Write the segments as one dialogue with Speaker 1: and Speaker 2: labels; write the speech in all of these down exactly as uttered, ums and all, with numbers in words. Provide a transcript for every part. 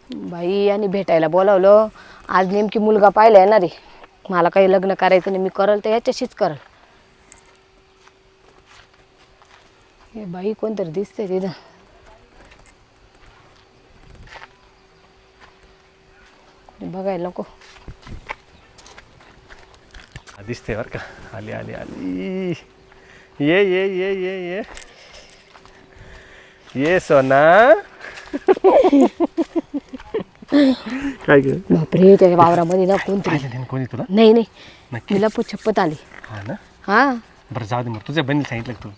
Speaker 1: बाई आणि भेटायला बोलावलं. आज नेमकी मुलगा पाहायला येणार आहे. मला काही लग्न करायचं नाही, मी करल तर याच्याशीच करल. हे बाई कोणतरी दिसतंय तिथं. बघायला नको.
Speaker 2: दिसते बरं का. आली आली आली. ये ये ये ये ये ये सोना. काय ग
Speaker 1: बापरे, त्या वावरामध्ये ना कोणतरी.
Speaker 2: पाहिलं कोणी तुला?
Speaker 1: नाही नाही,
Speaker 2: नक्की?
Speaker 1: मला पुछपत आली.
Speaker 2: हा ना.
Speaker 1: हा,
Speaker 2: बरं जाऊ दे. मग तुझ्या बहिणीला सांगितलं का तू?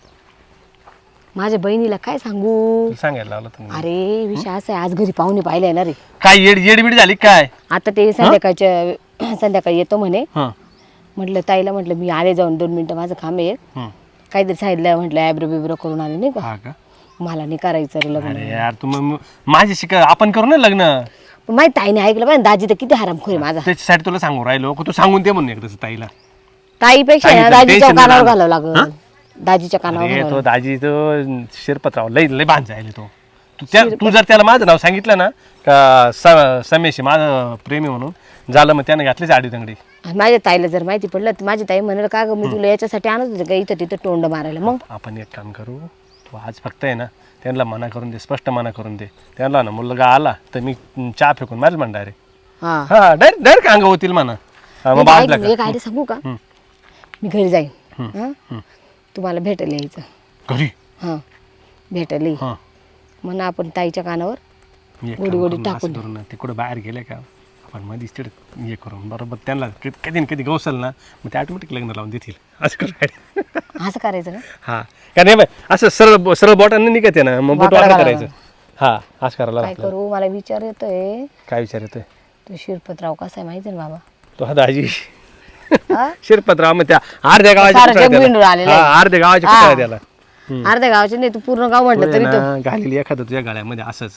Speaker 1: माझ्या बहिणीला काय सांगू.
Speaker 2: तुला सांगायला लावलं तुम्ही.
Speaker 1: अरे विषय असा आहे, आज घरी पाहुणे पाहायला येणार आहे.
Speaker 2: काय येड येडबीड झाली काय?
Speaker 1: आता ते संध्याकाळच्या संध्याकाळी येतो म्हणे.
Speaker 2: हा
Speaker 1: म्हटलं ताईला, म्हटलं मी आले जाऊन दोन मिनिटं, माझं काम आहे.
Speaker 2: हम्म.
Speaker 1: काहीतरी सांगितलं, म्हटलं ॲब्रो बिब्रो करून आले नाही का.
Speaker 2: हा का?
Speaker 1: मला नाही करायचं रे लग्न.
Speaker 2: अरे यार तू मग माझी शिका आपण करू ना लग्न.
Speaker 1: पण माझी ताईने ऐकलं पाहिजे. दाजी तर किती हरामखोर आहे माझा.
Speaker 2: त्याच्यासाठी तुला सांगू राहिलो तू सांगून दे म्हणून एकदाच ताईला.
Speaker 1: ताईपेक्षा ना
Speaker 2: सांगितलं,
Speaker 1: दाजीच्या
Speaker 2: tension
Speaker 1: कानावर
Speaker 2: नाही
Speaker 1: घालावं लागल. दाजीच्या कानावर
Speaker 2: अरे
Speaker 1: घालावं
Speaker 2: तो
Speaker 1: लागल.
Speaker 2: दाजी तो शिरपतराव लय लय बांध जायले तो. तू त्या तू जर त्याला माझं नाव सांगितलं ना का स समेश माझं प्रेमी म्हणून झालं, मग त्याने घातलीच आडी तंगडी.
Speaker 1: आणि माझ्या ताईला जर माहिती पडलं तर माझी ताई म्हणाल का ग, मी तुला याच्यासाठी आणत होते का इथं तिथं तोंड मारायला. मग
Speaker 2: आपण एक काम करू, तू आज फक्त आहे ना त्यांना मना करून दे, स्पष्ट मना करून दे. त्यांना ना मुलगा आला तर मी चहा फेकून मारेल म्हणा डायरेक्ट.
Speaker 1: हा,
Speaker 2: हा डायरेक्ट डायरेक्ट अंग होतील म्हणा. हा, मग बाजला
Speaker 1: एक आयडिया सांगू का.
Speaker 2: हम्म.
Speaker 1: मी घरी जाईन.
Speaker 2: हम्म.
Speaker 1: हा, तुम्हाला भेटायला यायचं.
Speaker 2: घरी.
Speaker 1: हा, भेटायला ये.
Speaker 2: हा
Speaker 1: म्हणा आपण ताईच्या कानावर
Speaker 2: मी एक
Speaker 1: गोडी
Speaker 2: काम
Speaker 1: गोडी
Speaker 2: करून
Speaker 1: टाकून
Speaker 2: असं करू ना, ते कुठं बाहेर गेले का आपण मध्येच तिकडे हे करून बरोबर त्यांना कधी ना कधी गवसल ना, मग ते ऑटोमॅटिक लग्न लावून देतील. असं करू.
Speaker 1: असं करायचं ना.
Speaker 2: हा का नाही बाय, असं सरळ सरळ बोटाने निघत आहे ना, मग बोट
Speaker 1: वाकडं
Speaker 2: वाकडं
Speaker 1: घालावं.
Speaker 2: करायचं. हा असं करायला
Speaker 1: काय
Speaker 2: लागतं.
Speaker 1: करू, मला विचार येतोय.
Speaker 2: काय विचार येतोय?
Speaker 1: तो शिरपतराव कसा आहे माहिती ना बाबा.
Speaker 2: तो हा दाजी
Speaker 1: हा?
Speaker 2: शिरपतराव मग त्या अर्ध्या गावाच्या
Speaker 1: सारं
Speaker 2: कुठं आहे
Speaker 1: जग
Speaker 2: त्याला?
Speaker 1: विंडून आलेलं आहे.
Speaker 2: हा, अर्ध्या गावाच्या
Speaker 1: हा.
Speaker 2: कुठं आहे त्याला.
Speaker 1: अर्ध्या गावाचे नाही, तू पूर्ण गाव म्हटलं तरी तो
Speaker 2: घालेली एखादं तुझ्या गाड्यामध्ये असंच.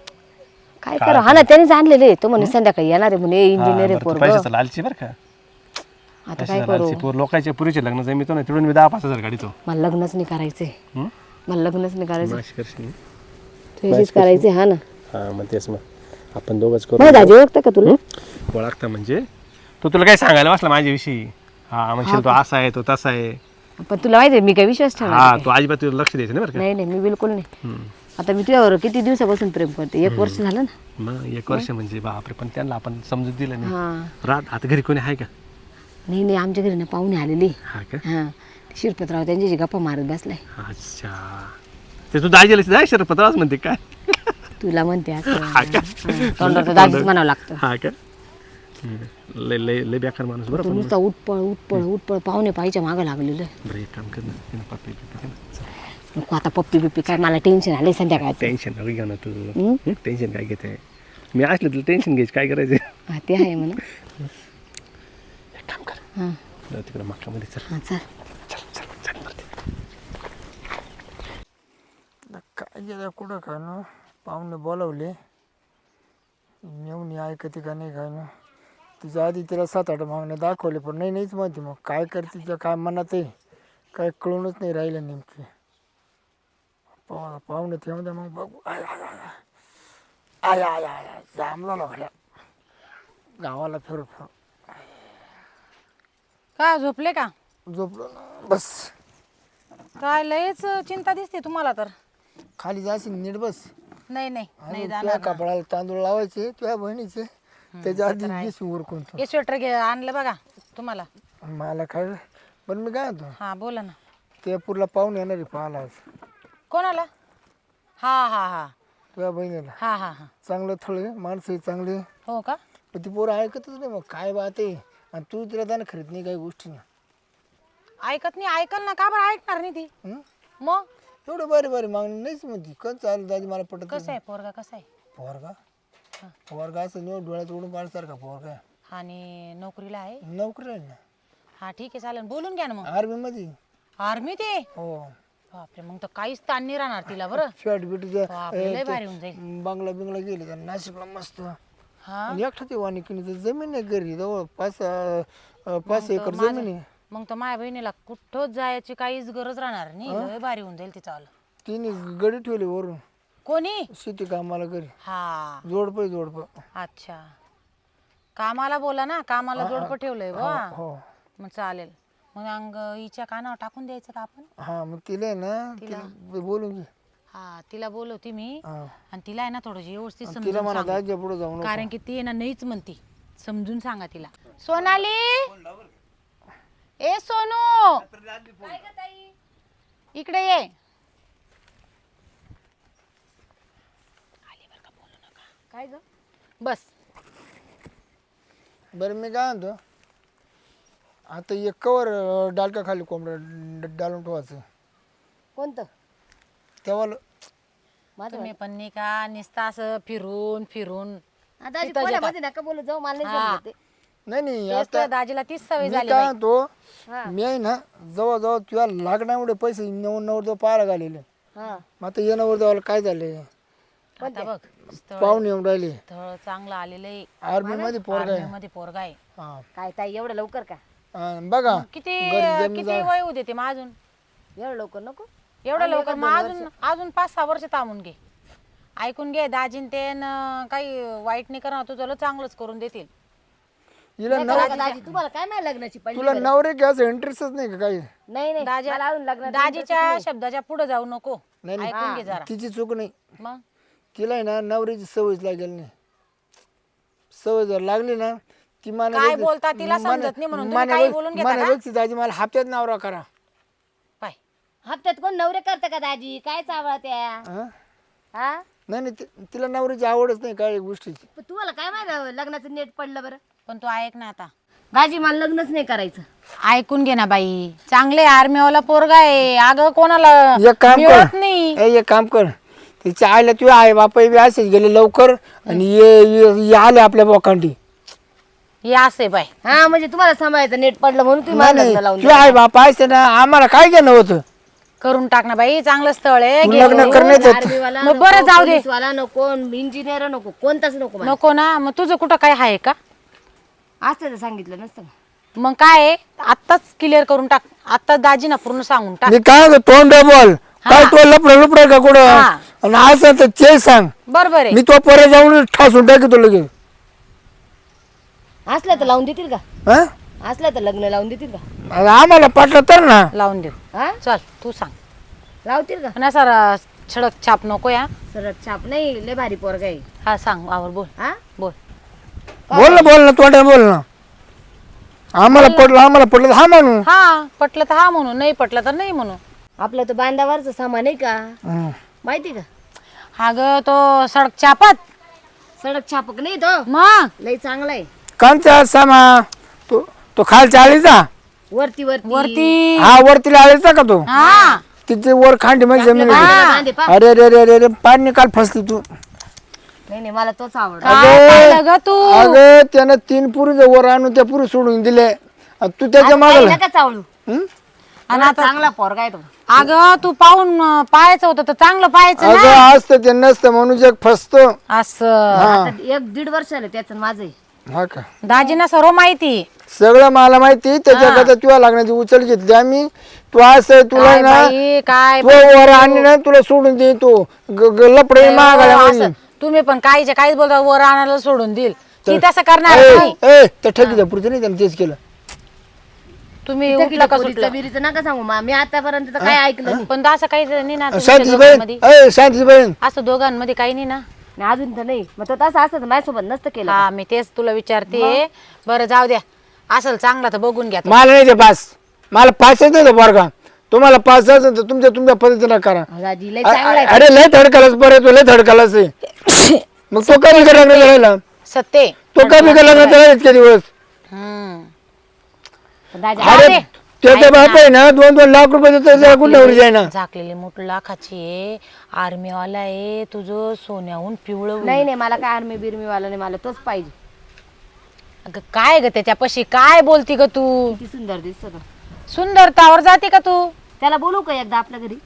Speaker 1: काय करा. हा ना, त्यानेच आणलेले. तो म्हणे संध्याकाळी येणार आहे म्हणे, इंजिनियर आहे पोरगं.
Speaker 2: पैशाचं लालची बरं का.
Speaker 1: आता काय
Speaker 2: पैशाचं
Speaker 1: करू.
Speaker 2: लालची पोर लोकांच्या पुरीचे लग्न जमितो ना, तिकडून मी दहा पाच हजार गाडीतो.
Speaker 1: मला लग्नच नाही करायचंय.
Speaker 2: हं?
Speaker 1: मला लग्नच नाही करायचं.
Speaker 2: माशी करशील.
Speaker 1: तुझीच करायचे. हा ना.
Speaker 2: हा मग तेच मग आपण दोघंच करू.
Speaker 1: मग दाजी ओळखतं का तुला.
Speaker 2: ओळखता म्हणजे तो तुला काय सांगायला बसला माझ्याविषयी. हा म्हणशील तो असा आहे तो तसा आहे.
Speaker 1: पण तुला माहिती आहे मी काय विश्वास ठेवणार
Speaker 2: हा
Speaker 1: नाही.
Speaker 2: तो अजिबात तुला लक्ष द्यायचं नाही बरं का.
Speaker 1: नाही नाही, मी बिलकुल नाही.
Speaker 2: हम्म.
Speaker 1: आता मी तुझ्यावर किती दिवसापासून प्रेम करते. एक वर्ष झालं ना.
Speaker 2: मग एक वर्ष म्हणजे बापरे, पण त्यांना आपण समजून दिलं नाही.
Speaker 1: हा,
Speaker 2: रात आता घरी कोणी आहे का?
Speaker 1: नाही नाही, आमच्या घरी ना पाहुणे आलेली.
Speaker 2: हा का?
Speaker 1: हा, ते शिरपतराव त्यांच्याशी गप्पा मारत बसलाय.
Speaker 2: अच्छा ते तू दाजीला जाय शिरपतरावच म्हणते काय?
Speaker 1: तुला म्हणते असं.
Speaker 2: हा का?
Speaker 1: हा, तोंडावर तर दाजीच म्हणावं लागतं.
Speaker 2: हा का? हम्म. लय लय लय बेकार माणूस बरं.
Speaker 1: तो
Speaker 2: पण
Speaker 1: नुसता उठपळ उठपळ उठपळ पाहुणे पाहिजे मागं लागलेलं आहे.
Speaker 2: बरं एक काम कर ना, तिनं पप्पी बिप्पी दे ना. चल.
Speaker 1: नको आता पप्पी बिप्पी काय, मला टेन्शन आले संध्याकाळचं.
Speaker 2: टेन्शन नको घेऊ ना तू.
Speaker 1: हम्म?
Speaker 2: टेन्शन काय घेते? मी असलं तुला टेन्शन घ्यायचं काय करायचं?
Speaker 1: हा, ते आहे म्हणा.
Speaker 2: एक काम कर,
Speaker 1: हा
Speaker 2: जाऊ तिकडं मक्कामध्ये चल.
Speaker 1: हा, चल.
Speaker 2: चल चल चल वरती.
Speaker 3: काय गेलं कुठं काय ना, पाहुणे बोलावले येऊन ऐकते का नाही काय ना. तिच्या आधी तिला सात आठ मागणे दाखवले, पण नाही नाहीच माहिती. मग काय करते तिच्या काय मनात आहे काय कळूनच नाही राहिलं नेमकी. पाहू पाहुणे ते म्हणते मग बघू. आय आय आय आय आय आय जामला लागल्या गावाला फिर फिर.
Speaker 4: काय झोपले का?
Speaker 3: झोपलो ना बस.
Speaker 4: काय लयच चिंता दिसते तुम्हाला तर.
Speaker 3: खाली जाशील नीट बस.
Speaker 4: नाही नाही नाही
Speaker 3: आणि तुझ्या
Speaker 4: जाणार ना.
Speaker 3: कपडाला तांदूळ लावायचे तुझ्या बहिणीचे, त्याच्या आधी दिस उरकून तू.
Speaker 4: हे स्वेटर घे आणलं बघा तुम्हाला.
Speaker 3: मला काय पण मी काय होतो
Speaker 4: हा बोला ना.
Speaker 3: ते पुरला पाहून येणार आहे पाहायला आज
Speaker 4: कोणाला? हा हा हा
Speaker 3: तुझ्या बहिणीला.
Speaker 4: हा हा हा
Speaker 3: चांगलं थळे माणसं चांगले,
Speaker 4: हो का?
Speaker 3: पण ती पोरं ऐकतच नाही. मग काय बात आहे. आणि तू तिला त्यानं खरीद नाही काही गोष्टी ना.
Speaker 4: ऐकत नाही. ऐकल ना, का बरं ऐकणार नाही ती?
Speaker 3: हं?
Speaker 4: मग
Speaker 3: एवढं बरे बरे मागणी नाहीच म्हणती. कच चालू दादी मला पटत
Speaker 4: कसं आहे पोरगा, कसा आहे?
Speaker 3: पोरगा पोरगा असं निवड डोळ्यात उडून पाडसारखा पोरगा.
Speaker 4: आणि नोकरीला आहे?
Speaker 3: नोकरी आहे ना.
Speaker 4: हा ठीक आहे चालेल, बोलून घ्या ना मग.
Speaker 3: आर्मी मध्ये.
Speaker 4: आर्मी ते?
Speaker 3: हो.
Speaker 4: बापरे, मग तर काहीच ताण नाही राहणार तिला बरं.
Speaker 3: शर्ट बिट
Speaker 4: बापरे, लय भारी होऊन जाईल.
Speaker 3: बांगला बिंगला गेले तर नाशिकला मस्त.
Speaker 4: हा
Speaker 3: आणि एकटा ते वानिकीने तर जमीन आहे घरी जवळ पाच अं, पाच एकर जमीन आहे.
Speaker 4: मग तर माझ्या बहिणीला कुठंच जायची काहीच गरज राहणार नाही. लय भारी होऊन जाईल तिचं आलं.
Speaker 3: तिने गडी ठेवली वरून.
Speaker 4: कोणी
Speaker 3: शेती कामाला घरी
Speaker 4: हा
Speaker 3: जोडप जोडप
Speaker 4: अच्छा कामाला बोला ना कामाला जोडपं ठेवलंय बा
Speaker 3: हो
Speaker 4: मग चालेल मग अंग हिच्या कानावर टाकून द्यायचं का आपण
Speaker 3: हा मग तिला आहे ना
Speaker 4: तिला?
Speaker 3: तिला बोलून घे
Speaker 4: हा तिला बोलवते मी
Speaker 3: हा.
Speaker 4: आणि तिला आहे ना थोडं व्यवस्थित
Speaker 3: तिला
Speaker 4: समजून
Speaker 3: म्हणा
Speaker 4: सांगू.
Speaker 3: दाजी पुढे जाऊ नको.
Speaker 4: कारण की ती आहे ना नाहीच म्हणती समजून सांगा तिला सोनाली ए सोनू इकडे ये
Speaker 1: काय ग
Speaker 4: बस
Speaker 3: बरं मी काय म्हणतो आता एक कवर डालका खाली कोंबडं डालून ठेवायचं
Speaker 1: कोणतं
Speaker 3: तेव्हा
Speaker 1: माझं
Speaker 4: तुम्ही पण नाही का नुसतं असं फिरून फिरून
Speaker 1: आता आजी
Speaker 4: तिथं
Speaker 1: कोणामध्ये नका बोलू जाऊ मला नाही
Speaker 4: हा.
Speaker 1: समजत ते.
Speaker 3: नाही नाही
Speaker 4: तेच
Speaker 3: आता
Speaker 4: तुझ्या दाजीला तीच सवय
Speaker 3: मी
Speaker 4: झाली
Speaker 3: काय
Speaker 4: बाई.
Speaker 3: म्हणतो
Speaker 1: हा
Speaker 3: मी आहे ना जवळ जवळ तुला लागण्यामुळे पैसे नेऊन नवर जवळ पाहायला घालेले
Speaker 1: हा
Speaker 3: मग आता येण्यावर जवळ काय झाले
Speaker 4: आता बघ स्थळ
Speaker 3: पाहून येऊन राहिले
Speaker 4: स्थळ चांगलं आलेलं आहे
Speaker 3: आर्मी मध्ये पोरगा आहे
Speaker 4: मध्ये पोरगा आहे
Speaker 3: हा.
Speaker 1: काय ताई एवढं लवकर का
Speaker 3: हा, बघा
Speaker 4: किती
Speaker 3: घरी जमीन
Speaker 4: किती वय होऊ देते मग अजून
Speaker 1: एवढं लवकर नको
Speaker 4: एवढं लवकर मग अजून अजून पाच सहा वर्ष थांबून घे ऐकून घे दाजीन ते न काही वाईट नाही करणार तुझं लय चांगलंच करून देतील
Speaker 3: हिला
Speaker 1: नाही
Speaker 3: नव
Speaker 1: का दाजी तुम्हाला काय नाही लग्नाची पडली
Speaker 3: तुला
Speaker 1: बरं?
Speaker 3: नवरे घ्यायचं इंटरेस्टच नाही का काही
Speaker 1: नाही नाही
Speaker 4: दाजी
Speaker 1: मला अजून लग्नाची
Speaker 4: दाजीच्या शब्दाच्या पुढे जाऊ नको
Speaker 3: नाही, नाही.
Speaker 4: ऐकून घे जरा
Speaker 3: तिची चूक नाही
Speaker 4: मग
Speaker 3: तिला आहे ना नवरीची सवयच लागेल नाही सवय जर लागली ना ती मला
Speaker 4: काय
Speaker 3: व्यक्ती-
Speaker 4: बोलता तिला
Speaker 3: मला-
Speaker 4: समजत नाही म्हणून तुम्ही
Speaker 3: मला
Speaker 4: काही
Speaker 3: व्यक्ती-
Speaker 4: बोलून घेता
Speaker 3: मला
Speaker 4: का?
Speaker 3: व्यक्ती दाजी मला हप्त्यात नवरा करा
Speaker 4: पाय
Speaker 1: हप्त्यात कोण नवरे करतं का दाजी काय चावळा त्या
Speaker 3: हा?
Speaker 1: हा
Speaker 3: नाही नाही ति- तिला नवरीची आवडच नाही काही गोष्टीची
Speaker 1: पण तुम्हाला काय माहिती लग्नाचं नेट पडलं बरं
Speaker 4: पण तू ऐक ना आता
Speaker 1: दाजी मला लग्नच नाही करायचं
Speaker 4: ऐकून घे ना बाई चांगले आर्मीवाला पोरगा आहे अगं कोणाला
Speaker 3: एक काम
Speaker 4: मिळत
Speaker 3: कर
Speaker 4: नाही
Speaker 3: ए, एक काम कर तिच्या आईला तू आई बाप बी असेच गेले लवकर आणि ये- ये ये आले आपल्या बोकांडी
Speaker 4: हे असे बाई
Speaker 1: हा म्हणजे तुम्हाला सांभाळायचं नेट पडलं म्हणून तुम्ही मला लग्न लावून
Speaker 3: तू आई बाप असते ना आम्हाला काय घेणं होतं
Speaker 4: करून टाक ना बाई चांगलं स्थळ आहे
Speaker 3: तू
Speaker 4: घे.
Speaker 3: लग्न करण्याचं
Speaker 1: आर्मीवाला
Speaker 4: मग बरं जाऊ दे
Speaker 1: वाला नको इंजिनियर नको कोणताच नको मला.
Speaker 4: नको ना मग तुझं कुठं काय आहे का
Speaker 1: असतं तर सांगितलं नसतं का?
Speaker 4: मग काय आहे आत्ताच क्लिअर करून टाक आत्ताच दाजीना पूर्ण सांगून टाक
Speaker 3: मी काय म्हणतो, तोंड बोल काय तो लपड लपड का कुठं
Speaker 4: हा.
Speaker 3: आणि असं तर ते सांग
Speaker 4: बरोबर आहे
Speaker 3: मी तो परत जाऊन ठासून टाकतो लगेच
Speaker 1: असलं तर लावून देतील का
Speaker 3: हा?
Speaker 1: असलं तर लग्न लावून देतील का
Speaker 3: आता आम्हाला पटलं तर ना
Speaker 4: लावून देऊ
Speaker 1: हा
Speaker 4: चल तू सांग
Speaker 1: लावतील का
Speaker 4: पण असा छडक छाप नको या
Speaker 1: सरळ छाप नाही लय भारी पोरगा आहे
Speaker 4: हा सांग आवर बोल
Speaker 1: हा
Speaker 4: बोल
Speaker 3: बोल ना बोल ना तोंड बोल ना आम्हाला पडलं आम्हाला पडलं तर हा म्हणू
Speaker 4: हा पटलं तर हा म्हणू नाही पटलं तर नाही म्हणू
Speaker 1: आपलं तर बांधावरचं सामान आहे का
Speaker 3: हं.
Speaker 1: माहिती का
Speaker 4: हा ग तो सडक छापत
Speaker 1: सडक छापक नाही तो
Speaker 4: मग
Speaker 1: लय चांगला आहे
Speaker 3: कांचा सामा तो तो खालच्या आळीचा
Speaker 1: वरती वरती
Speaker 4: वरती
Speaker 3: हा वरती आळीचा का तो
Speaker 4: हा
Speaker 3: तिथे वर खांडी मध्ये जमीन आहे.
Speaker 1: बांधे- बांधे पा.
Speaker 3: अरे अरे अरे अरे अरे पाणी काल फसली तू
Speaker 1: नाही नाही मला तोच आवडला
Speaker 4: काय पाहिलं ग तू
Speaker 3: अगं त्यानं तीन पुरी वर आणून त्या पुरी सोडून दिले आणि तू त्याच्या मागला
Speaker 1: नका चावळू
Speaker 4: आणि
Speaker 1: एवढा चांगला पोरगा आहे तो
Speaker 4: अगं तू पाहून अं, पाहायचं होतं तर चांगलं पाहायचं ना
Speaker 3: अगं असतं ते नसतं म्हणून जग फसतो
Speaker 4: असं
Speaker 1: आता एक दीड वर्ष आलं त्याचं माझं आहे.
Speaker 3: हा का
Speaker 4: दाजीना सर्व माहिती
Speaker 3: सगळं मला माहिती त्याच्याकरता तुला लागण्याची उचल घेतली आम्ही तू असं तुला
Speaker 4: काय
Speaker 3: ना
Speaker 4: बाई, काय
Speaker 3: तो वर आणि ना तुला सोडून दे तो लपडे मागायला
Speaker 4: असं तुम्ही पण काहीच्या काहीच बोलता वर आणायला सोडून देईल ती तसं करणार
Speaker 3: ए
Speaker 4: नाही
Speaker 3: ए, त्या ठकीच्या पुढचं नाही त्यानं तेच केलं
Speaker 4: तुम्ही
Speaker 1: त्या
Speaker 4: उठलं का
Speaker 1: पोरीचं
Speaker 4: सुटलं
Speaker 1: बिरीचं नका सांगू मा मी आतापर्यंत तर काय ऐकलं नाही.
Speaker 4: पण असं काही नाही ना तुमच्या
Speaker 3: शांतीची बहीण
Speaker 4: दोघांमध्ये
Speaker 3: ए शांतीची बहीण
Speaker 4: असं दोघांमध्ये काही नाही ना
Speaker 1: नाही, अजून तर नाही मग तो तसं असतं तर माझ्यासोबत नसतं केलं
Speaker 4: हा मी तेच तुला विचारते बरं जाऊ द्या असल चांगला तर बघून घ्या
Speaker 3: मला नाही ते पास मला पास येत नाही बरं तुम्हाला पास असेल तर तुमच्या तुमच्या पद्धतीनं करा
Speaker 1: दाजी लय
Speaker 3: अ-
Speaker 1: चांगला आहे.
Speaker 3: अरे लय थडकालाच बरं तो लय थडकालाच आहे मग तो कमी का लग्न करायला
Speaker 4: सत्य
Speaker 3: तो कमी का लग्न करायला इतके दिवस
Speaker 4: हम्म
Speaker 1: पण दाजी
Speaker 3: अरे त्याचा बाप आहे ना दोन दोन लाख रुपये देतो त्याला कुठल्यावर जाईना
Speaker 4: झाकलेली मोठ लाखाची आहे आर्मीवाला आहे तुझं सोन्याहून पिवळं होईल.
Speaker 1: नाही नाही मला काय आर्मी बिर्मी वाला नाही मला तोच पाहिजे
Speaker 4: अगं काय ग त्याच्यापाशी काय बोलती ग तू
Speaker 1: किती सुंदर दिसतो तो.
Speaker 4: सुंदरतावर जाते का तू
Speaker 1: त्याला बोलू का एकदा आपल्या घरी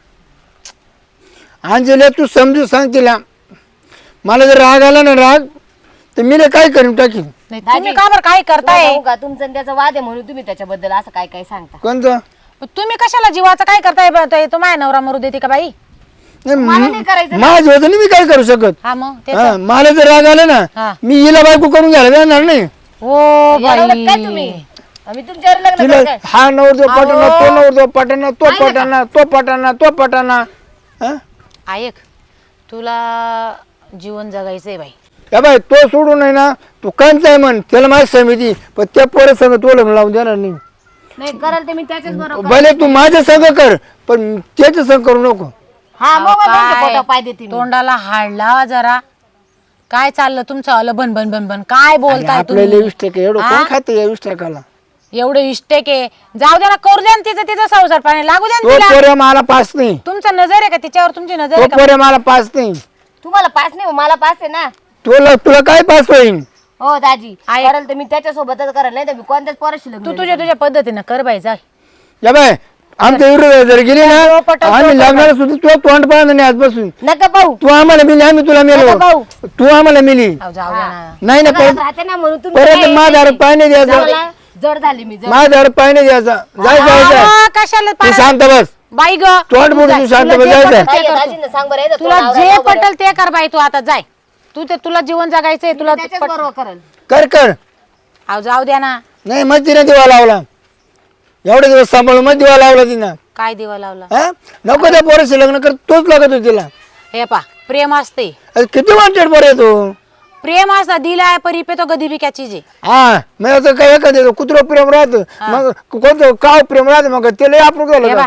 Speaker 3: अंजली तू समजू सांग तिला मला जर राग आला ना राग तर मी ना काय करीन टाकीन
Speaker 4: नाही तुम्ही का बरं काय करताय
Speaker 1: जाऊ का तुमचं आणि त्याचा वाद आहे म्हणून तुम्ही त्याच्याबद्दल असं काय काय सांगता
Speaker 3: कोणतं
Speaker 4: तुम्ही कशाला जीवाचं काय करताय ब- ते तो माझ्या नवरा मरू देते का बाई
Speaker 3: नाही,
Speaker 1: मला नाही करायचं
Speaker 3: माझं होतं नाही, मी काय करू शकत
Speaker 4: हा मग ते
Speaker 3: हा, मला जर राग आला
Speaker 4: हा.
Speaker 3: ना मी हिला बायको करून घ्यायला जाणार नाही
Speaker 4: हो
Speaker 1: येणार काय तुम्ही
Speaker 4: बाई
Speaker 1: आम्ही तुमच्यावर लग्न
Speaker 3: तिला
Speaker 1: करू काय?
Speaker 3: हा नवरदेव पटाना तो नवरदेव पटाना तो पटाना तो पटाना तो पटाना हा
Speaker 4: ऐक तुला जीवन जगायचंय बाई
Speaker 3: या बाय तो सोडून आहे ना तू कांचा आहे म्हण त्याला माझी समिती पण त्या पोरं संग तो लग्न लावून देणार नाही
Speaker 1: नाही कराल ते मी त्याच्याच बरोबर
Speaker 3: भले तू माझ्या संग कर पण त्याच्या संग करू नको
Speaker 1: हा मग त्यांच्या
Speaker 4: काय?
Speaker 1: पोटावर पाय देते मी.
Speaker 4: तोंडाला हाड लावा जरा काय चाललं तुमचं आलं बन बन बन बन काय बोलताय
Speaker 3: आपल्याला
Speaker 4: तुम्ही
Speaker 3: वीस टक्के एवढं कोण खातं या वीस टक्काला
Speaker 4: एवढं इष्टेक आहे जाऊ द्या ना करू द्या ना तिचं तिचं संसार पाणी लागू द्या ना
Speaker 3: तो
Speaker 4: तिला
Speaker 3: पोऱ्या मला पास नाही
Speaker 4: तुमचा नजर आहे का तिच्यावर तुमची नजर
Speaker 3: तो
Speaker 4: आहे का
Speaker 3: पोऱ्या मला पास नाही
Speaker 1: तुम्हाला पास नाही मला पास आहे ना
Speaker 3: तुला तुला काय पास होईल
Speaker 1: हो दाजी
Speaker 4: आहे.
Speaker 1: कराल तर मी त्याच्यासोबतच कराल नाही तर मी कोणत्याच पोराशी लग्न
Speaker 4: तू
Speaker 1: नाही
Speaker 4: तुझ्या तुझ्या पद्धतीनं कर बाई जा
Speaker 3: या बाय आमच्या विरोधात जर गेली ना
Speaker 4: पटल,
Speaker 3: आम्ही लग्नाला सुद्धा तुला तोंड पाहणार नाही आजपासून
Speaker 1: करत. नका पाहू
Speaker 3: तू आम्हाला मिली आम्ही तुला
Speaker 1: नका
Speaker 3: मिळलो
Speaker 1: पाहू
Speaker 3: तू आम्हाला मिली
Speaker 4: अहो, जाऊ द्या ना
Speaker 3: नाही ना
Speaker 1: घरात
Speaker 3: परत
Speaker 1: राहते ना म्हणून तुम्ही
Speaker 3: परत
Speaker 1: काय
Speaker 3: माझ्या
Speaker 1: नाही.
Speaker 3: हात पाय नाही द्यायचा
Speaker 1: मला जड झाली मी जड
Speaker 3: माझ्या हात पाय नाही द्यायचा जाय जायचं
Speaker 4: अहो, कशाला
Speaker 3: तू
Speaker 4: पारा-
Speaker 3: शांत बस
Speaker 4: बाई ग
Speaker 3: तोंड बोलून तू शांत बस जायचं
Speaker 1: काय आहे, दाजींना सांग बरं येतं
Speaker 4: तुला
Speaker 1: तोंडावर
Speaker 4: जे
Speaker 1: राव बरं.
Speaker 4: पटल ते कर बाई तू आता जाय तू ते तुला जीवन जगायचंय तुला
Speaker 1: त्याच्याच
Speaker 4: पट-
Speaker 1: बरोबर करल
Speaker 3: कर कर
Speaker 4: अहो जाऊ द्या ना
Speaker 3: नाही मग तिने दिवा लावला एवढे दिवस सांभाळून मग दिवा लावला तिनं
Speaker 4: काय दिवा लावला
Speaker 3: हा नको त्या पोराशी लग्न कर तोच लागत होता तिला
Speaker 4: हे पा प्रेम असते
Speaker 3: अरे किती वांटेड पोर येतो
Speaker 4: प्रेम असता दिलाय परी पे तो गदी बिक्या चीज आहे
Speaker 3: हा मग आता काय एखादं कुत्र प्रेम राहत मग कोणतं काव प्रेम राहत मग त्याला आपण
Speaker 4: हे
Speaker 3: झालं
Speaker 4: बा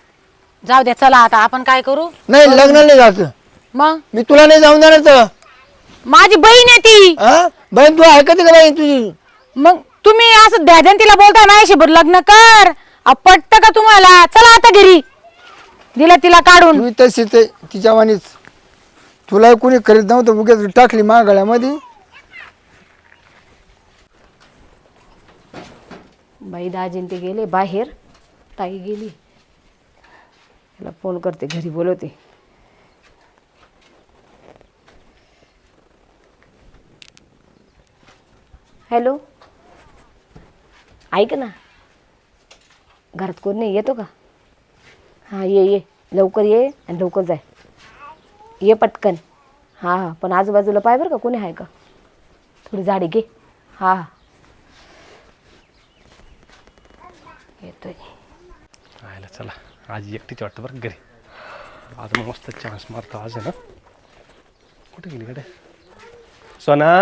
Speaker 4: जाऊ द्या चला आता आपण काय करू
Speaker 3: नाही लग्न नाही जायचं
Speaker 4: मग
Speaker 3: मी तुला नाही जाऊन देणार तर
Speaker 4: माझी बहीण आहे ती
Speaker 3: हा बहीण तू ऐकते का बाई तुझी
Speaker 4: मग तुम्ही असं द्याद्यान तिला बोलताय माझ्याशी बरं लग्न कर पटत का तुम्हाला चला आता घरी दिला तिला काढून
Speaker 3: तू तशीच आहे तिच्या वाणीच तुला कोणी करीत नव्हतं उगाच टाकली मा गळ्यामध्ये
Speaker 1: बाई दाजीन ते गेले बाहेर ताई गेली त्याला फोन करते घरी बोलवते हॅलो ऐक ना घरात कोण नाही येतो का हां ये ये लवकर ये आणि लवकर जाय ये पटकन हां हां पण आजूबाजूला पाय बरं का कोणी आहे का थोडी झाडी घे हां हां येतोय
Speaker 2: आयला चला आज एकटीच वाटतं बरं घरी आज मग मस्त चान्स मारतो आज आहे ना कुठे गेली कडे सोना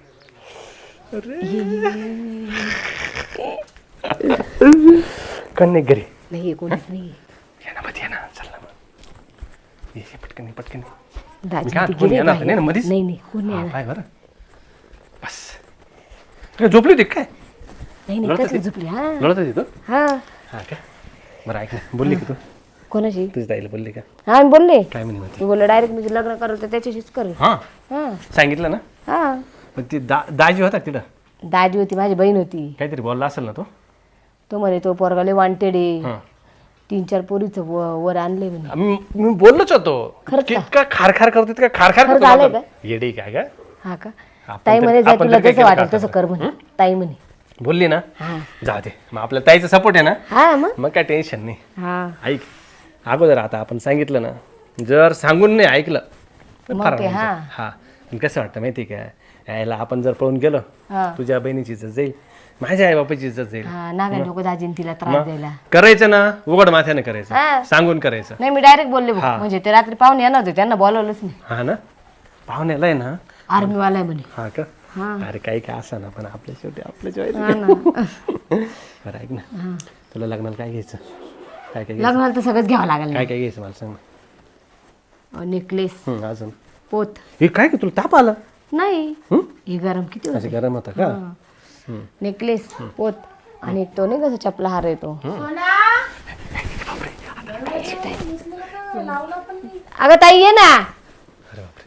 Speaker 2: कन्ने घरी
Speaker 1: नाही ये कोणीच नाही
Speaker 2: ये ना मध्ये ये ना चल ना मग ये ये, पटकन ये, पटकन ये.
Speaker 1: दाजी
Speaker 2: मी काय
Speaker 1: ते
Speaker 2: कोणी
Speaker 1: गेले
Speaker 2: येणार
Speaker 1: बाहेर.
Speaker 2: नाही ना मधीच
Speaker 1: नाही नाही कोण नाही
Speaker 2: हा,
Speaker 1: येणार.
Speaker 2: पाय बरं बस काय झोपली होती काय
Speaker 1: नाही नाही
Speaker 2: लढत
Speaker 1: कसं
Speaker 2: होती?
Speaker 1: झोपली हा
Speaker 2: लढत होती तू
Speaker 1: हा
Speaker 2: हा काय बरं ऐक ना बोलली का तू
Speaker 1: कोणाशी
Speaker 2: तुझी ताईला बोलली का
Speaker 1: हा मी बोलले
Speaker 2: काय म्हणे म्हणते
Speaker 1: मी बोलले डायरेक्ट मी लग्न करत तर त्याच्याशीच करेल
Speaker 2: हां
Speaker 1: हा
Speaker 2: सांगितलं ना
Speaker 1: हा
Speaker 2: पण ती दा दाजी होता का तिथं
Speaker 1: दाजी होती माझी बहीण होती
Speaker 2: काहीतरी बोलला असेल ना तो
Speaker 1: तो म्हणे तो पोरगाले वांटेड आहे
Speaker 2: हां
Speaker 1: तीन चार पोरीचं व- वर आणले म्हणे
Speaker 2: मी मी बोललोच होतो
Speaker 1: खरंच का?
Speaker 2: इतका खारखार करतो इतका खारखार
Speaker 1: खरं
Speaker 2: करतो
Speaker 1: झालंय
Speaker 2: बाबा. येडे काय का
Speaker 1: हा का
Speaker 2: आपण
Speaker 1: ताई
Speaker 2: तर-
Speaker 1: म्हणे जाय
Speaker 2: आपण
Speaker 1: तुला
Speaker 2: तर काय
Speaker 1: जसं
Speaker 2: केलं
Speaker 1: वाटेल
Speaker 2: का
Speaker 1: तसं
Speaker 2: आता?
Speaker 1: कर म्हणे ताई म्हणे
Speaker 2: बोलली ना
Speaker 1: हा
Speaker 2: जाऊ दे मग आपल्या ताईचा सपोर्ट आहे ना
Speaker 1: हा मग
Speaker 2: मग काय टेन्शन नाही
Speaker 1: हा
Speaker 2: ऐक अगोदर आता आपण सांगितलं ना जर सांगून नाही ऐकलं तर
Speaker 1: मग
Speaker 2: फार
Speaker 1: ते,
Speaker 2: म्हणजे.
Speaker 1: हा.
Speaker 2: हा पण कसं वाटतं माहिती का यायला आपण जर पळून गेलो
Speaker 1: हा
Speaker 2: तुझ्या बहिणीची इज्जत जाईल माझ्या आई बापाची इज्जत जाईल
Speaker 1: हा नागा नको दाजीन तिला त्रास
Speaker 2: मग
Speaker 1: द्यायला
Speaker 2: करायचं ना उघड माथ्याने
Speaker 1: हा.
Speaker 2: करायचं सांगून करायचं
Speaker 1: नाही मी डायरेक्ट बोलले भाऊ.
Speaker 2: हा.
Speaker 1: म्हणजे ते रात्री पाहुणे येणार होते त्यांना बोलवलंच नाही
Speaker 2: हा ना पाहुण्याला आहे ना
Speaker 1: आर्मीवाला आहे म्हणे
Speaker 2: हा का
Speaker 1: हा
Speaker 2: अरे काही काय असा ना पण आपल्या शेवटी आपल्या जॉईन
Speaker 1: हा ना
Speaker 2: बरं ऐक ना तुला लग्नाला काय घ्यायचं काय काय घ्यायचं
Speaker 1: लग्नाला तर सगळंच घ्यावं लागेल
Speaker 2: काय काय घ्यायचं मला सांग ना
Speaker 1: नेकलेस
Speaker 2: हं, अजून
Speaker 1: पोत
Speaker 2: हे काय का तुला ताप आला
Speaker 1: नाही
Speaker 2: हं?
Speaker 1: हे गरम किती
Speaker 2: असं
Speaker 1: होते
Speaker 2: गरम होता का
Speaker 1: नेकलेस पोत आणि तो नाही कसं चपला हार येतो अगं ताई ये ना
Speaker 2: अरे बापरे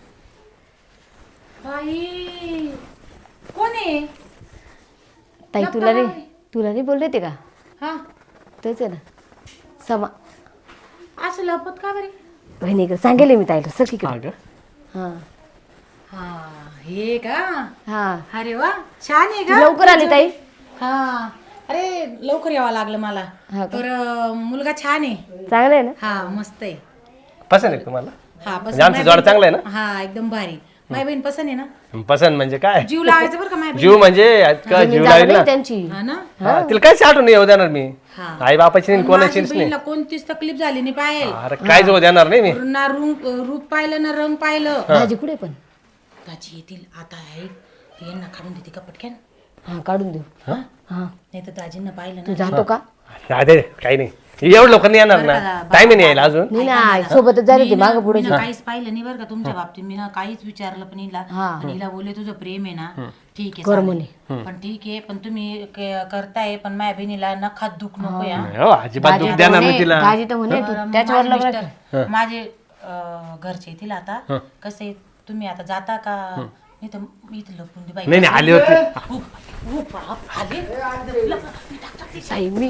Speaker 4: बाई कोण आहे
Speaker 1: ताई तुला नाही तुला नाही बोलले ते का
Speaker 4: हा
Speaker 1: तेच आहे ना समा
Speaker 4: असं लपत का बरे
Speaker 1: बहिणीकडे सांगेल मी ताईला सर
Speaker 2: हा
Speaker 1: तिकडे
Speaker 2: का
Speaker 1: हा
Speaker 4: हा हे का
Speaker 1: हा
Speaker 4: अरे वा छान आहे
Speaker 1: तू
Speaker 4: का
Speaker 1: लवकर आली ताई
Speaker 4: हा अरे लवकर यावं लागलं मला
Speaker 1: हा का?
Speaker 4: तर अं, मुलगा छान आहे
Speaker 1: चांगलं आहे ना
Speaker 4: हा मस्त आहे
Speaker 2: पसंत आहे का तुम्हाला
Speaker 4: हा
Speaker 2: म्हणजे आमचं जोड चांगलं आहे
Speaker 4: हा एकदम भारी. माझी बहीण पसंत आहे ना?
Speaker 2: ना पसंत म्हणजे काय
Speaker 4: जीव लावायचं बरं का माझ्या
Speaker 2: जीव म्हणजे का जीव
Speaker 1: जागा
Speaker 2: लावेल
Speaker 1: नाही
Speaker 2: ना
Speaker 1: त्यांची.
Speaker 4: बहिणी- हा ना?
Speaker 2: हा, तिला काय साठून येऊ देणार मी
Speaker 4: हा.
Speaker 2: आई बापाची नाही
Speaker 4: पण
Speaker 2: कोणाचीच
Speaker 4: माझ्या
Speaker 2: नाही
Speaker 4: बहिणीला कोणतीच तकलीफ झाली नाही पाहिजे.
Speaker 2: अरे काय जाऊ देणार नाही मी
Speaker 4: ना रूप रूप पाहिलं ना रंग पाहिलं.
Speaker 1: दाजी कुठे पण?
Speaker 4: दाजी येतील आता आहे यांना काढून देते का पटक्यान?
Speaker 1: हा काढून देऊ. हा
Speaker 4: नाही तर दाजींना पाहिलं
Speaker 1: तू
Speaker 4: ना.
Speaker 1: जातो का?
Speaker 2: अरे काही नाही एवढं लोक नाही येणार ना टाइम नाही यायला अजून
Speaker 1: नाही ना सोबतच जायला होती मागं पुढे.
Speaker 4: मी ना काहीच पाहिलं नाही बरं का तुमच्या बाबतीत. मी ना काहीच विचारलं पण हिला आणि हिला बोलले तुझं प्रेम आहे ना ठीक आहे चालेल. पण ठीक आहे पण तुम्ही क- करताय पण माझ्या बहिणीला नखात दुख नको या.
Speaker 2: हो अजिबात दुःख देणार नाही तिला
Speaker 1: दाजी तर म्हणे तू
Speaker 4: बरं,
Speaker 1: त्याच्यावर
Speaker 4: माझे
Speaker 1: लग्न
Speaker 4: मिस्टर- माझे अं, घरचे येतील आता कसे तुम्ही आता जाता का? नाही तर मी इथं लपून दे बाई.
Speaker 2: नाही नाही आले होते
Speaker 4: हो, हो, बाप, आले.
Speaker 1: साई मी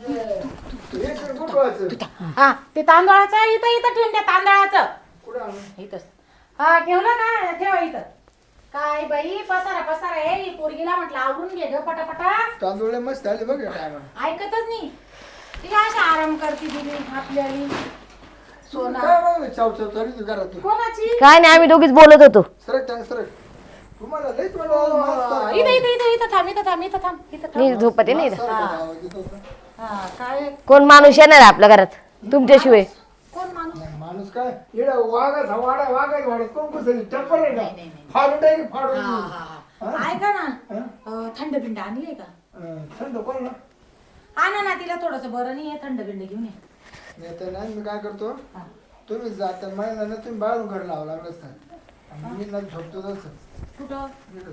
Speaker 4: हा ते तांदळाचं इथं इथं ठेवून द्या तांदळाचं इथंच. हा ठेवलं का ठेवा इथं. काय बाई पसारा पसारा आहे ही पोरगीला म्हटलं आवरून घे ग पटापटा.
Speaker 3: तांदूळ मस्त आले बघ टायमा.
Speaker 4: ऐकतच नाही ती काय अशी आराम करते दिली आपल्याली. सोना
Speaker 3: काय बघ चाव चाव चालू तू घरात तू.
Speaker 4: कोणाची?
Speaker 1: काय नाही आम्ही दोघीच बोलत होतो.
Speaker 3: सरक टाक सरक. तुम्हाला लई तुम्हाला
Speaker 4: इथं इथं इथं इथं थांब इथं थांब इथं थांब इथं थांब.
Speaker 1: मी झोपते नाही इथं.
Speaker 4: हा काय
Speaker 1: कोण माणूस येणार आहे आपल्या घरात तुमच्याशिवाय?
Speaker 4: कोण माणूस?
Speaker 3: माणूस काय इडा वाघाचा वाडा वाघाच वाडा कोण कसं टप्पर आहे का फाडून टाक फाडून.
Speaker 4: हा, हा, हा. ऐका ना अं, थंड बिंड आणलीये का?
Speaker 3: अं, थंड कोण ना
Speaker 4: आणा ना तिला थोडस बरं नाही थंड बिंड घेऊन ये.
Speaker 3: नाही तर नाही मी काय करतो तुम्ही जाता महिना ना तुम्ही बाहेरून घर लावा लागलं असतं मी ना झोपतो तसं.
Speaker 4: कुठं?
Speaker 3: इकडं.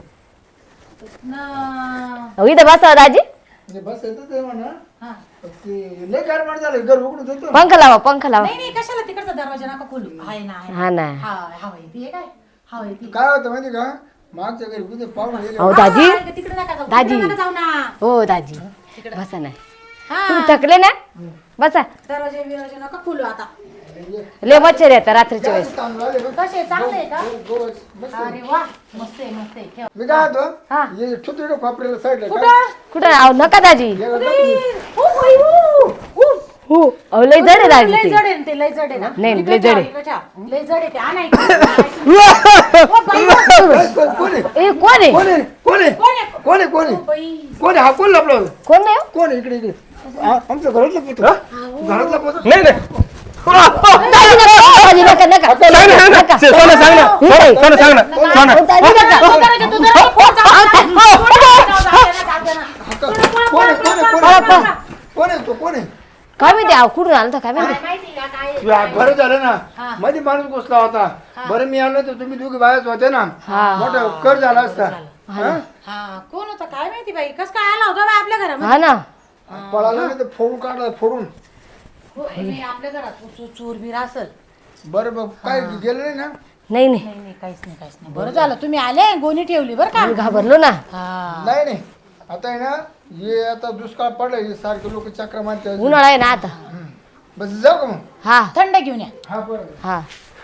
Speaker 4: न-
Speaker 1: अहो, इथं बसा दाजी.
Speaker 3: म्हणजे बस येतं ते म्हणा
Speaker 4: हा.
Speaker 3: ते लय गारमाट झालं घर उघडून देतो.
Speaker 1: पंखा लावा पंखा लावा.
Speaker 4: नाही नाही कशाला तिकडचा दरवाजा नका खोलू. आहे ना आहे ना.
Speaker 1: हा ना.
Speaker 4: हा हवा येते काय हवा येते.
Speaker 3: काय होतं माहिती का मागच्या घरी कुठे पाहुणे गेले
Speaker 1: अहो दाजी
Speaker 4: हा, तिकडे नका जाऊ
Speaker 1: दाजी.
Speaker 4: तिकडे नका जाऊ ना.
Speaker 1: हो दाजी बसा नाही
Speaker 4: हा
Speaker 1: तुम्ही थकले ना बसा.
Speaker 4: दरवाजे बिरवाजे नका खोलू आता.
Speaker 1: लय मच्छर येतात रात्रीच्या वेळेस.
Speaker 3: तांदूळ आले बघ.
Speaker 4: कसे चांगले आहे का?
Speaker 3: गोवस. बस.
Speaker 4: अरे वा मस्त आहे मस्त आहे ठेव.
Speaker 3: मी काय
Speaker 4: हा.
Speaker 3: होतो हे छोटे खोपऱ्याला साईडला काय
Speaker 4: कुठं?
Speaker 1: कुठं अहो नका दाजी.
Speaker 3: हे बघ,
Speaker 4: ओ, बाई, ऊ, ऊ.
Speaker 1: हो अहो लय जड आहे दाजी
Speaker 4: लय
Speaker 1: ते.
Speaker 4: जड आहे ना ते लय जड आहे ना.
Speaker 1: नाही,
Speaker 4: इकडे
Speaker 1: लय जड
Speaker 4: ठेवा,
Speaker 1: आहे.
Speaker 4: इकडे ठेवा. लय जड आहे ते आणा इकडे. ओ, बाई, ओ,
Speaker 3: कोण आहे
Speaker 1: ए कोण आहे?
Speaker 3: कोण आहे कोण आहे
Speaker 4: कोण आहे?
Speaker 3: कोण आहे कोण आहे
Speaker 4: बाई.
Speaker 3: कोण आहे हा कोण लपला होता?
Speaker 1: कोण नाही हो?
Speaker 3: कोण आहे इकडे इकडे आ- आमच्या घरातला पोत घरातला पोत
Speaker 2: नाही नाही
Speaker 1: दाजी नका दाजी नका नका
Speaker 2: सांग ना, सांग ना.
Speaker 1: नका.
Speaker 2: सोनं सांग ना
Speaker 1: नाही.
Speaker 2: सोनं सांग ना सोनं
Speaker 1: अहो, दाजी नका.
Speaker 4: तू जरा- तू जरा फोन चालू कर. फोन चालू कर, जाऊ दे ना, जाऊ दे ना.
Speaker 3: कोण आहे कोण आहे कोण
Speaker 1: पळा,
Speaker 3: आहे
Speaker 1: पळा.
Speaker 3: कोण आहे तो कोण आहे
Speaker 1: काय माहिती अहो कुठून आलं काय माहिती.
Speaker 4: काय माहिती का काय आहे?
Speaker 3: या, बरं झालं ना मध्ये माणूस घुसला होता बरं मी आलो तर तुम्ही दोघे बाहेर होते ना मोठा कर झाला असता हा?
Speaker 4: हा कोण होता काय माहिती बाई कस काय आला होता बाई आपल्या घरामध्ये?
Speaker 1: हा ना
Speaker 3: पळाला नाही तर फोडून काढला फोडून
Speaker 4: हो, नाही, आपल्या घरात चो- चोर बीर असल.
Speaker 3: बरं बघ काय गेलं नाही ना
Speaker 1: नाही नाही
Speaker 4: नाही नाही काहीच नाही काहीच नाही बरं झालं तुम्ही आले गोणी ठेवली बरं का.
Speaker 1: आम्ही घाबरलो ना.
Speaker 4: हा
Speaker 3: नाही नाही आता आहे ना हे आता दुष्काळ पडलाय हे सारखे लोक चक्र मारतात
Speaker 1: उन्हाळा आहे ना आता.
Speaker 3: बस जाऊ का मग
Speaker 1: हा
Speaker 4: थंड घेऊन या.
Speaker 3: हा बरं
Speaker 1: हा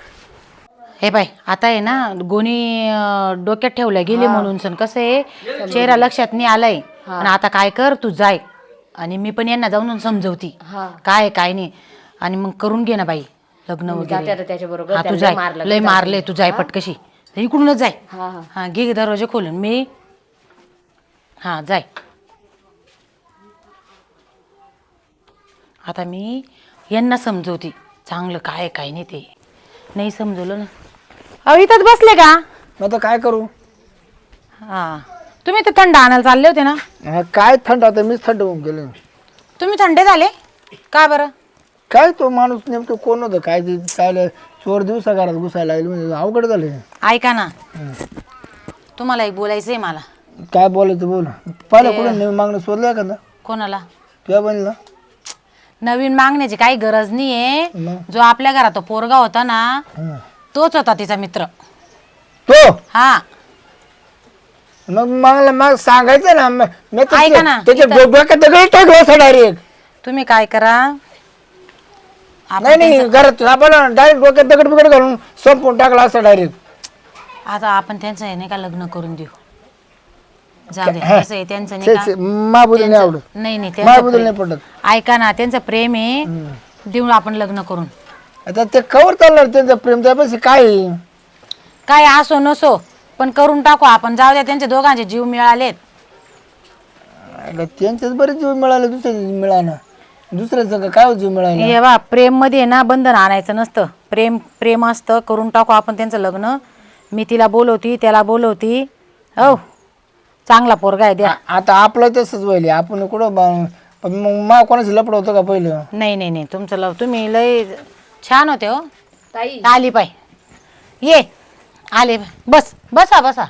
Speaker 4: हे बाय आता आहे ना गोणी अं, डोक्यात ठेवल्या गेली म्हणून सण कसं आहे चेहरा लक्षात नाही आलाय. आणि आता काय कर तू जाय आणि मी पण यांना जाऊन समजवती
Speaker 1: हा.
Speaker 4: काय काय नाही आणि मग करून घे ना बाई लग्न
Speaker 1: जाते
Speaker 4: वगैरे.
Speaker 1: आता त्याच्याबरोबर.
Speaker 4: हा तू
Speaker 1: त्याला
Speaker 4: जाय
Speaker 1: लय मारलं
Speaker 4: लय
Speaker 1: का
Speaker 4: मारले तू जाय पटकशी इकडूनच जाय.
Speaker 1: हा हा
Speaker 4: हा घे दरवाजा खोलून मी हा जाय. आता मी यांना समजवती चांगलं काय काय नाही ते नाही समजवलं ना. अहो इथंच बसले का?
Speaker 3: मग आता काय करू
Speaker 4: हा तुम्ही तर थंड आणायला चालले होते ना.
Speaker 3: हा, काय थंड आता मीच थंड होऊन गेलो
Speaker 4: तुम्ही थंडे झाले का बरं?
Speaker 3: काय तो माणूस नेमकं कोण होतं काय ते काय चोर दिवसा घरात घुसायला लागले म्हणजे अवघड झाले
Speaker 4: ऐका ना तुम्हाला एक बोलायचंय मला.
Speaker 3: काय बोलायचं बोल पहिलं कुठं नवीन मागणं शोधलं का ना
Speaker 4: कोणाला?
Speaker 3: तुझ्या बहिणीला
Speaker 4: नवीन मागण्याची काही गरज नाहीये.
Speaker 3: मग?
Speaker 4: जो आपल्या घरात तो पोरगा होता ना
Speaker 3: हं.
Speaker 4: तोच होता तिचा मित्र.
Speaker 3: तो
Speaker 4: हा
Speaker 3: मग मागला मग सांगायचं ना म- मी तर
Speaker 4: ऐका ना,
Speaker 3: त्याच्या
Speaker 4: इथं-
Speaker 3: डोक्यात दगड टाकलं असं डायरेक्ट
Speaker 4: तुम्ही काय करा आपण
Speaker 3: नाही नाही
Speaker 4: त्यांचं-
Speaker 3: घरात आपण डायरेक्ट डोक्यात दगड बिगड घालून संपून टाकला असं डायरेक्ट
Speaker 4: आता आपण त्यांचं हे नाही का लग्न करून देऊ. जाऊ दे कसं आहे त्यांचं नाही का
Speaker 3: महाबुद्धी नाही आवडत
Speaker 4: नाही नाही त्यांचं
Speaker 3: महाबुद्धी नाही
Speaker 4: प्रेम-
Speaker 3: पडत
Speaker 4: ऐका ना त्यांचं प्रेम आहे देऊ आपण लग्न करून.
Speaker 3: आता ते कवर चालणार त्यांचं प्रेम त्यापेक्षा काय आहे?
Speaker 4: काय असो नसो पण करून टाकू आपण. जाऊ द्या, त्यांचे दोघांचे जीव मिळालेत.
Speaker 3: आता त्यांच्याच बरेच जीव मिळाले, दुसऱ्या मिळाना दुसऱ्याचं काय जीव मिळाला.
Speaker 4: हे बा, प्रेम मध्ये ना बंधन आणायचं नसतं. प्रेम प्रेम असतं. करून टाकू आपण त्यांचं लग्न. मी तिला बोलवती, त्याला बोलवती. हो, चांगला पोरगा आहे, द्या.
Speaker 3: आ- आता आपलं तसंच व्हायले. आपण कुठं बा- पण मग मा कोणाचं लपड होतं का पहिलं?
Speaker 4: नाही नाही नाही, तुमचं लव तुम्ही लय छान होते हो.
Speaker 1: ताई
Speaker 4: आली पाय, ये आले. बस बसा बसा.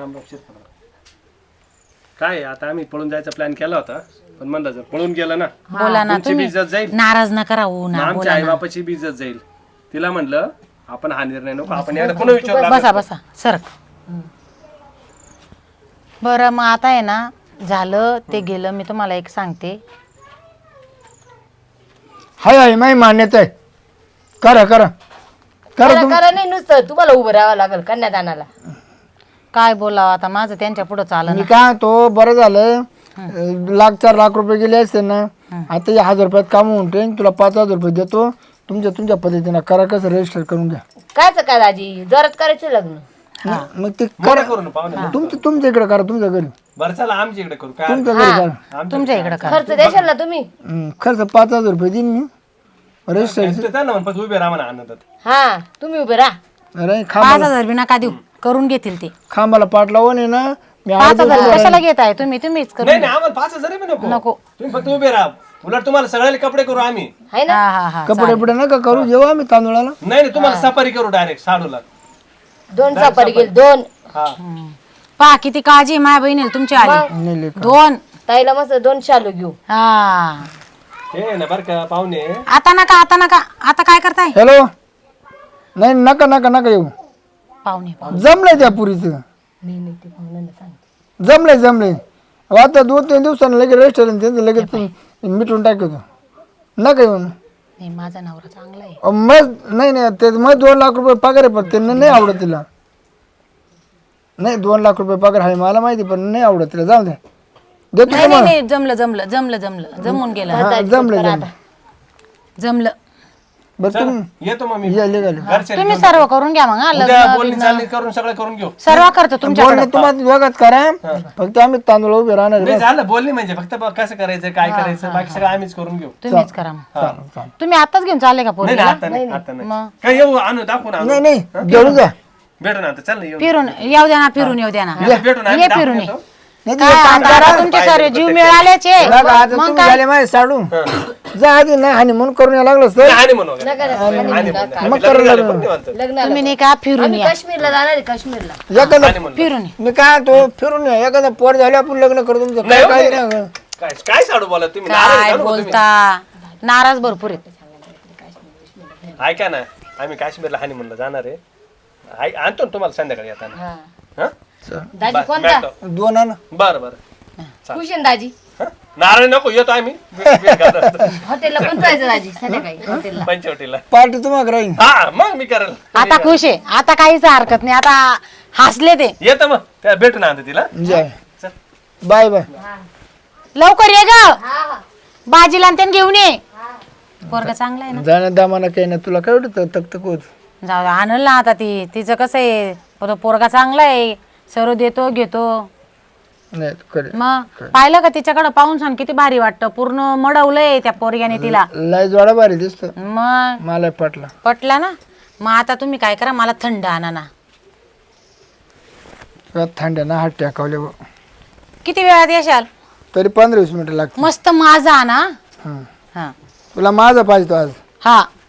Speaker 2: काय आता आम्ही पळून जायचा प्लॅन केला होता, पण म्हणलं जर पळून गेला ना
Speaker 4: बोला ना
Speaker 2: तुमची
Speaker 4: तुम्ही.
Speaker 2: बी इज्जत जाईल,
Speaker 4: नाराज नका राहू ना.
Speaker 2: आमच्या आई बापाची बी इज्जत जाईल. तिला म्हणलं आपण हा निर्णय नको, आपण याला पुन्हा विचारलं.
Speaker 4: बसा बसा सरक. बरं, मग आता आहे ना, झालं ते गेलं. मी तुम्हाला एक सांगते.
Speaker 3: हाय हाय माही मान्यता आहे. करा करा करा
Speaker 1: करा
Speaker 3: तुम्ही.
Speaker 1: करा नाही, नुसतं तुम्हाला उभं राहावं लागेल कन्यादानाला.
Speaker 4: काय बोलावं आता, माझं त्यांच्या पुढं चाललं
Speaker 3: मी
Speaker 4: ना.
Speaker 3: काय तो बरं झालं. अं, लाख चार लाख रुपये गेले असते ना, आता हे हजार रुपयात काम होऊन ठेन. तुला पाच हजार रुपये देतो. तुमच्या तुमच्या पद्धतीनं करा, कसं रजिस्टर करून घ्या.
Speaker 1: कायच काय दाजी, जोरात करायचं लग्न.
Speaker 3: मग ते
Speaker 2: मोठं करू ना पाहुणे.
Speaker 3: तुमचं तुमच्या इकडे करा, तुमच्या घरी
Speaker 2: बरं चला आमच्या इकडे करू काय.
Speaker 3: तुमच्या घरी करा.
Speaker 4: तुमच्या इकडं का.
Speaker 1: खर्च द्याल ना तुम्ही.
Speaker 3: हं, खर्च पाच हजार रुपये देईन मी रजिस्टर.
Speaker 2: ते त्यांना म्हण, फक्त उभे राहा म्हणा आनंदात.
Speaker 1: हा तुम्ही उभे राहा.
Speaker 3: अरे
Speaker 4: पाच
Speaker 3: खांबाला
Speaker 4: हजार बी नका देऊ, करून घेतील ते.
Speaker 3: खांबाला पाठ लावून आहे ना मी
Speaker 4: पाच हजार कशाला घेताय तुम्ही? तुम्हीच
Speaker 2: नाही
Speaker 4: करून
Speaker 2: नाही, आम्हाला पाच हजार बी नको.
Speaker 4: नको.
Speaker 2: तुम्ही फक्त उभे राहा. उलट तुम्हाला सगळ्याला कपडे करू आम्ही.
Speaker 1: आहे ना.
Speaker 4: हा हा हा
Speaker 3: कपडे बिपडे नका करू. जेव्हा आम्ही तांदूळाला
Speaker 2: नाही नाही, तुम्हाला सफारी करू डायरेक्ट साडूला.
Speaker 1: दोन सापारी गेल दोन.
Speaker 2: हा
Speaker 4: पहा किती काळजी आहे माझ्या बहिणीला तुमची आली.
Speaker 3: नाही लेका.
Speaker 4: दोन.
Speaker 1: ताईला मस्त दोन शालू घेऊ.
Speaker 4: हा,
Speaker 2: हे ना बरं का पाहुणे.
Speaker 4: आता नका आता नका. आता काय करताय
Speaker 3: हॅलो. नाही नका नका नका येऊ.
Speaker 4: पाहुणे? पाहुणे
Speaker 3: जमलंय त्या पुरीचं.
Speaker 1: नाही नाही ते पाहुण्यांना सांगते.
Speaker 3: जमलंय जमलंय. आता दोन तीन दिवसांना लगेच रेस्टॉरंट त्यांचं लगेच मिटून टाकतो. नका येऊन.
Speaker 4: नाही, माझा नवरा चांगला आहे.
Speaker 3: अ, मग नाही नाही ते मग दोन लाख रुपये पगार आहे, पण त्यांना नाही आवडत तिला. नाही दोन लाख रुपये पगार आहे मला माहिती, पण नाही आवडत तिला. जाऊ द्या, देतो
Speaker 4: नाही नाही नाही, जमलं जमलं जमलं जमलं जमून गेलं.
Speaker 3: हा, जमलं जमलं.
Speaker 4: जमलं.
Speaker 3: बरं तुम्ही
Speaker 2: येतो मग मी.
Speaker 3: या निघाले.
Speaker 2: घरचे
Speaker 4: तुम्ही सर्व करून घ्या मग. हा,
Speaker 2: उद्या
Speaker 4: लग्न
Speaker 2: बोलणी
Speaker 4: बिग्न
Speaker 2: चालणी करून सगळं करून घेऊ.
Speaker 4: सर्व करतो तुमच्याकडे.
Speaker 3: बोलणं तुम्हाला दोघात करा, फक्त आम्ही तांदूळ उभे राहणार आहे.
Speaker 2: नाही झालं बोलणी म्हणजे फक्त बघ कसं करायचं काय करायचं बाकी सगळं आम्हीच करून घेऊ.
Speaker 4: तुम्हीच करा मग.
Speaker 3: चालेल, चालेल.
Speaker 4: तुम्ही आताच घेऊन चालले का
Speaker 2: नाही
Speaker 4: पोरीला?
Speaker 2: नाही, आता नाही आता नाही.
Speaker 4: मग
Speaker 2: काय येऊ आणू दाखवून आणू.
Speaker 3: नाही नाही घेऊन जा.
Speaker 2: भेटू ना आता चल ना येऊ.
Speaker 4: फिरून येऊ द्या ना, फिरून येऊ द्या ना.
Speaker 2: येतो, भेटू ना
Speaker 4: ये
Speaker 2: आम्ही
Speaker 4: फिरून ये.
Speaker 2: दाखवून येतो.
Speaker 3: नाही
Speaker 4: काय
Speaker 3: ते काम
Speaker 4: आता
Speaker 3: करा.
Speaker 4: आता तुमचे सर्व जीव मिळालेच आहे.
Speaker 3: बघा, आता
Speaker 4: मग
Speaker 3: तुम्ही
Speaker 4: काय?
Speaker 3: झाले माझे साडू. जा आधी नाही आणि म्हणून करून यायला लागलं सर.
Speaker 2: आणि म्हणू वगैरे.
Speaker 1: नका नका.
Speaker 2: आणि म्हणू.
Speaker 3: मग
Speaker 2: आम्ही
Speaker 3: करू
Speaker 2: लग्न झालं
Speaker 3: लागलो.
Speaker 2: पण निवांत.
Speaker 1: लग्नाला
Speaker 4: तुम्ही नाही का फिरून
Speaker 1: आम्ही
Speaker 4: या.
Speaker 1: काश्मीरला जाणार आहे. काश्मीरला
Speaker 3: एखादं
Speaker 2: आणि म्हणू.
Speaker 4: फिरून ये.
Speaker 3: मी काय तो फिरून या. एखादा पोर झाले आपण लग्न करू तुमचं
Speaker 2: नाही
Speaker 3: काय
Speaker 2: हो,
Speaker 3: काय
Speaker 2: नाही.
Speaker 3: नाही.
Speaker 2: काय काय साडू बोला तुम्ही नाराज
Speaker 4: काय
Speaker 2: झालो का तुम्ही?
Speaker 4: बोलता? नाराज भरपूर आहेत.
Speaker 2: ऐका ना आम्ही काश्मीरला हानी म्हणलं जाणार आहे. आय- आणतो ना तुम्हाला संध्याकाळी येताना.
Speaker 1: हा.
Speaker 2: हा?
Speaker 1: दाजी
Speaker 2: बस,
Speaker 1: कोणता
Speaker 2: भेटतो.
Speaker 3: दोन आण.
Speaker 2: बरं बरं.
Speaker 1: खुश आहे ना दाजी.
Speaker 2: हा? नारळ नको येतो आम्ही
Speaker 1: हॉटेलला पण जायचं दाजी संध्याकाळी हॉटेलला.
Speaker 2: पंचवटीला.
Speaker 3: पार्टी तुम्हाला राहील.
Speaker 2: हा मग मी करेल.
Speaker 4: आता खुश आहे. आता काहीच हरकत नाही. आता हसले ते.
Speaker 2: येतं मग त्या भेटू ना आता तिला.
Speaker 3: जय
Speaker 2: चल.
Speaker 3: Bye bye.
Speaker 4: लवकर ये ग.
Speaker 1: हा हा
Speaker 4: बाजीला आणि त्यांनी घेऊन ये. पोरगा चांगला आहे ना.
Speaker 3: जाण्या दामाना काही नाही. तुला काय वाटत तक तक होत.
Speaker 4: जाऊ दे, आणल ना आता ती. तिचं कसं आहे, तो पोरगा चांगला आहे. सर्व देतो घेतो.
Speaker 3: नाही करे
Speaker 4: मग पाहिलं का तिच्याकडे पाहून सांग किती भारी वाटतं. पूर्ण मडवलंय त्या पोरग्याने तिला.
Speaker 3: लय जोडा भारी दिसतो.
Speaker 4: मग
Speaker 3: मला पटला.
Speaker 4: पटला ना. मग आता तुम्ही काय करा, मला थंड आणा ना.
Speaker 3: थंड्यानं हात टाकावले बुवा.
Speaker 4: किती वेळात येशाल?
Speaker 3: तरी पंधरा वीस मिनिटं लागते.
Speaker 4: मस्त माझा आणा.
Speaker 3: हं.
Speaker 4: हा
Speaker 3: तुला माझा पाहिजे तो आज.
Speaker 4: हा